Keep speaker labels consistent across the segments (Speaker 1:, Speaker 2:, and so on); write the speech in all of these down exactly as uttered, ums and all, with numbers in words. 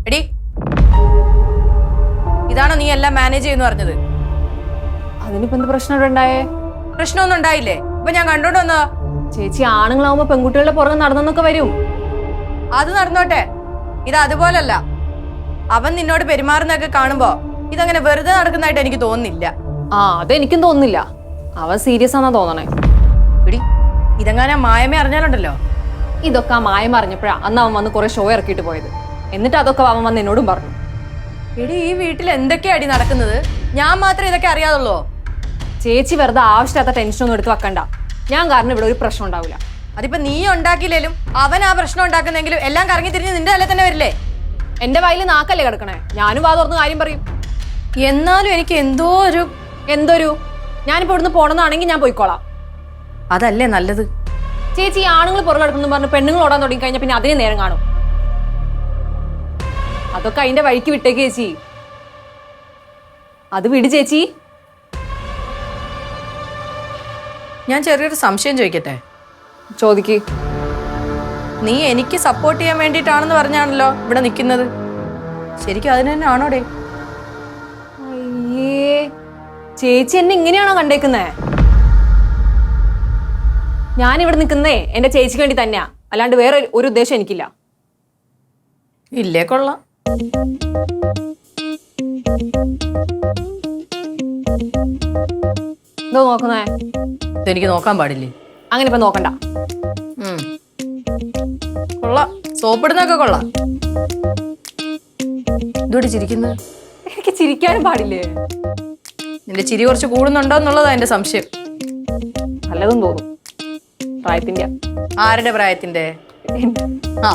Speaker 1: എടി, ഇതാണോ നീ എല്ലാം മാനേജ് ചെയ്യുന്നു പറഞ്ഞത്?
Speaker 2: അതിനിപ്പോ എന്ത് പ്രശ്നം ഉണ്ടായേ?
Speaker 1: പ്രശ്നമൊന്നും ഉണ്ടായില്ലേ? ഇപ്പൊ ഞാൻ കണ്ടോണ്ട് വന്നതാ.
Speaker 2: ചേച്ചി ആണുങ്ങളാവുമ്പോ പെൺകുട്ടികളുടെ പുറകെ നടന്നൊക്കെ വരും.
Speaker 1: അത് നടന്നോട്ടെ, ഇത് അതുപോലല്ല. അവൻ നിന്നോട് പെരുമാറുന്നൊക്കെ കാണുമ്പോ ഇതങ്ങനെ വെറുതെ നടക്കുന്നതായിട്ട് എനിക്ക് തോന്നുന്നില്ല.
Speaker 2: ആ, അതെനിക്കും തോന്നുന്നില്ല. അവൻ സീരിയസ് ആണെന്നാ തോന്നണേ.
Speaker 1: എടി, ഇതെങ്ങനെ മായമേ അറിഞ്ഞാലുണ്ടല്ലോ.
Speaker 2: ഇതൊക്കെ ആ മായം അറിഞ്ഞപ്പോഴാ അന്ന് അവൻ വന്ന് കുറെ ഷോ ഇറക്കിയിട്ട് പോയത്. എന്നിട്ട് അതൊക്കെ അവൻ വന്ന് എന്നോടും പറഞ്ഞു.
Speaker 1: എടി, ഈ വീട്ടിൽ എന്തൊക്കെയാ അടി നടക്കുന്നത്? ഞാൻ മാത്രം ഇതൊക്കെ അറിയാതുള്ളൂ.
Speaker 2: ചേച്ചി വെറുതെ ആവശ്യമില്ലാത്ത ടെൻഷനൊന്നും എടുത്ത് വെക്കണ്ട. ഞാൻ കാരണം ഇവിടെ ഒരു പ്രശ്നം ഉണ്ടാവില്ല.
Speaker 1: അതിപ്പോ നീ ഉണ്ടാക്കിയില്ലേലും അവൻ ആ പ്രശ്നം ഉണ്ടാക്കുന്നെങ്കിലും എല്ലാം കറങ്ങി തിരിഞ്ഞ് നിന്റെ തല തന്നെ വരില്ലേ?
Speaker 2: എന്റെ വായിൽ നാക്കല്ലേ കിടക്കണേ? ഞാനും വാ തുറന്ന് കാര്യം പറയും.
Speaker 1: എന്നാലും എനിക്ക് എന്തോ ഒരു
Speaker 2: എന്തൊരു ഞാനിപ്പോ ഇവിടുന്ന് പോണെന്നാണെങ്കിൽ ഞാൻ പോയിക്കോളാം.
Speaker 1: അതല്ലേ നല്ലത്?
Speaker 2: ചേച്ചി ആണുങ്ങൾ പുറകെ കിടക്കുന്നു പറഞ്ഞ് പെണ്ണുങ്ങൾ ഓടാൻ തുടങ്ങി കഴിഞ്ഞാൽ പിന്നെ അതിന് നേരം കാണും. അതൊക്കെ അതിന്റെ വഴിക്ക് വിട്ടേക്ക് ചേച്ചി. അത് വിട് ചേച്ചി.
Speaker 1: ഞാൻ ചെറിയൊരു സംശയം ചോദിക്കട്ടെ?
Speaker 2: ചോദിക്ക്.
Speaker 1: നീ എനിക്ക് സപ്പോർട്ട് ചെയ്യാൻ വേണ്ടിയിട്ടാണെന്ന് പറഞ്ഞാണല്ലോ ഇവിടെ നിൽക്കുന്നത്. ശരിക്കും അതിന് തന്നെ ആണോടെ?
Speaker 2: അയ്യേ, ചേച്ചി എന്നെ ഇങ്ങനെയാണോ കണ്ടേക്കുന്നേ? ഞാനിവിടെ നിൽക്കുന്നേ എന്റെ ചേച്ചിക്ക് വേണ്ടി തന്നെയാ, അല്ലാണ്ട് വേറെ ഒരു ഉദ്ദേശം എനിക്കില്ല.
Speaker 1: ഇല്ലേ, കൊള്ളാം.
Speaker 2: എന്തോ നോക്കുന്നേ?
Speaker 1: ഇതെനിക്ക് നോക്കാൻ പാടില്ലേ?
Speaker 2: അങ്ങനെ ഇപ്പൊ നോക്കണ്ട.
Speaker 1: കൊള്ളാം, സോപ്പിടുന്നൊക്കെ കൊള്ളാം. ഇതോടെ ചിരിക്കുന്നത്?
Speaker 2: എനിക്ക് ചിരിക്കാനും പാടില്ലേ?
Speaker 1: നിന്റെ ചിരി കുറച്ച് കൂടുന്നുണ്ടോ എന്നുള്ളതാ എന്റെ സംശയം.
Speaker 2: നല്ലതും തോന്നും. പ്രായത്തിന്റെ.
Speaker 1: ആരുടെ പ്രായത്തിന്റെ? ആ,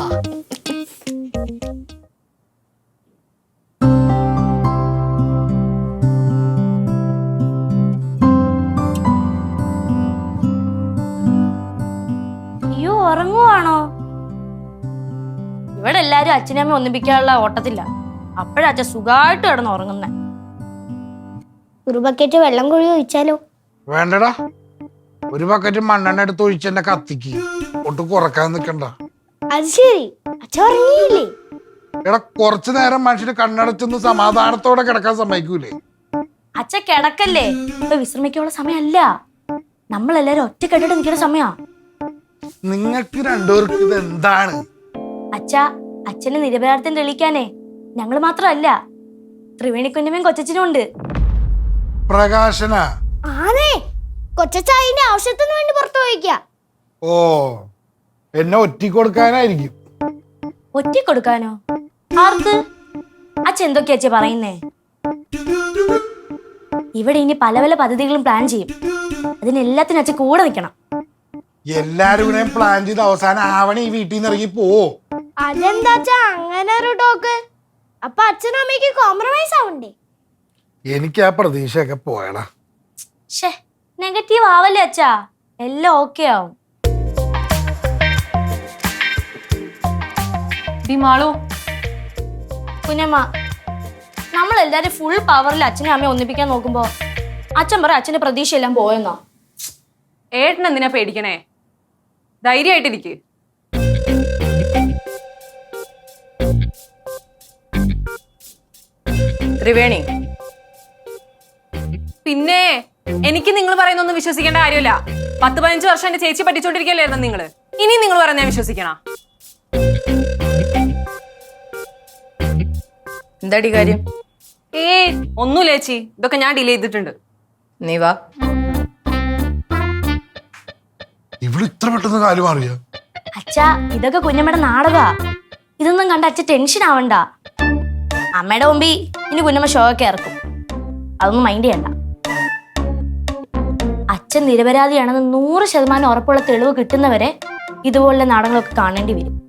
Speaker 3: അയ്യോ, ഉറങ്ങുവാണോ? ഇവിടെ എല്ലാരും അച്ഛനമ്മ ഒന്നിപ്പിക്കാനുള്ള ഓട്ടത്തില്ല. അപ്പോഴാ അച്ഛൻ സുഖമായിട്ട് കിടന്ന് ഉറങ്ങുന്നേ.
Speaker 4: ഒരു ബക്കറ്റ് വെള്ളം കുഴി ഒഴിച്ചാലോ?
Speaker 5: വേണ്ടടാ, ഒരു ബക്കറ്റ് മണ്ണെണ്ണ എടുത്ത് ഒഴിച്ചെന്നെ കത്തിക്ക്. ഒട്ടും കുറക്കാൻ നിക്കണ്ട.
Speaker 4: അത് ശരി, അച്ഛൻ ഉറങ്ങിയില്ലേ?
Speaker 5: എടാ, കുറച്ചു നേരം മനുഷ്യന് കണ്ണടച്ചൊന്ന് സമാധാനത്തോടെ കിടക്കാൻ സമ്മതിക്കൂലേ?
Speaker 3: അച്ഛൻ കിടക്കല്ലേ, ഇപ്പൊ വിശ്രമിക്കാനുള്ള സമയമല്ല. നമ്മളെല്ലാരും ഒറ്റക്കെട്ടിട്ട് നിൽക്കുന്ന സമയാ.
Speaker 5: നിങ്ങൾക്ക് രണ്ടുപേർക്ക് ഇത് എന്താണ്?
Speaker 3: അച്ഛാ, അച്ഛന് നിരപരാധിത്വം തെളിയിക്കാനേ ഞങ്ങള് മാത്രമല്ല, ത്രിവേണിക്കുഞ്ഞമ്മയും കൊച്ചച്ഛനും ഉണ്ട്.
Speaker 5: പ്രകാശന?
Speaker 4: ആണേ, കൊച്ചായിന്റെ ആവശ്യത്തിന് വേണ്ടി പുറത്തു പോയിക്ക.
Speaker 5: ഓ, എന്നെ ഒറ്റി കൊടുക്കാനായിരിക്കും.
Speaker 3: ഒറ്റ കൊടുക്കാനോ? ആർക്ക്? അച്ഛൻ എന്തൊക്കെയാ അച്ഛാ പറയുന്നേ? ഇവിടെ ഇനി പല പല പദ്ധതികളും പ്ലാൻ ചെയ്യും. അതിനെല്ലാത്തിനും അച്ഛൻ കൂടെ നിൽക്കണം.
Speaker 5: എല്ലാരും കൂടെ പ്ലാൻ ചെയ്ത് അവസാനം ആവണ ഈ വീട്ടിൽ നിന്ന് ഇറങ്ങി പോ.
Speaker 4: അതെന്താ അങ്ങനെ ഒരു ടോക്ക്? അപ്പൊ അച്ഛനും അമ്മയ്ക്ക് കോംപ്രമൈസ് ആവണ്ടേ?
Speaker 5: എനിക്ക് ആ പ്രതീക്ഷയൊക്കെ പോയടാ.
Speaker 3: ഷേ, നെഗറ്റീവ് ആവല്ലേ അച്ഛാ, എല്ലാം ഓക്കെ ആവും. കുഞ്ഞമ്മ, നമ്മളെല്ലാരും ഫുൾ പവറിൽ അച്ഛനെ അമ്മയെ ഒന്നിപ്പിക്കാൻ നോക്കുമ്പോ അച്ഛൻ പറ അച്ഛന്റെ പ്രതീക്ഷ എല്ലാം പോയെന്നോ?
Speaker 2: ഏട്ടൻ എന്തിനാ പേടിക്കണേ? ധൈര്യമായിട്ടിരിക്ക്.
Speaker 1: ത്രിവേണി,
Speaker 2: പിന്നെ എനിക്ക് നിങ്ങൾ പറയുന്നൊന്നും വിശ്വസിക്കേണ്ട കാര്യമില്ല. പത്ത് പതിനഞ്ച് വർഷം എന്റെ ചേച്ചി പറ്റിച്ചോണ്ടിരിക്കല്ലായിരുന്നു നിങ്ങള്. ഇനി നിങ്ങൾ പറയുന്ന ഞാൻ വിശ്വസിക്കണ?
Speaker 1: എന്താടി കാര്യം?
Speaker 2: ഏ ഒന്നുമില്ല ചേച്ചി, ഇതൊക്കെ ഞാൻ ഡിലേ ചെയ്തിട്ടുണ്ട്.
Speaker 1: നീ വാ.
Speaker 5: ഇവിടെ ഇത്ര പെട്ടെന്ന് കാര്യം അറിയാ?
Speaker 3: അച്ഛാ, ഇതൊക്കെ കുഞ്ഞമ്മയുടെ നാടകാ. ഇതൊന്നും കണ്ട അച്ഛൻ ടെൻഷൻ ആവണ്ട. അമ്മയുടെ മുമ്പിൽ ഇനി കുഞ്ഞമ്മ ഷോ ഒക്കെ ഇറക്കും. അതൊന്നും മൈൻഡ് ചെയ്യണ്ട. അച്ഛൻ നിരപരാധിയാണെന്ന് നൂറ് ശതമാനം ഉറപ്പുള്ള തെളിവ് കിട്ടുന്നവരെ ഇതുപോലുള്ള നാടകങ്ങളൊക്കെ കാണേണ്ടി വരും.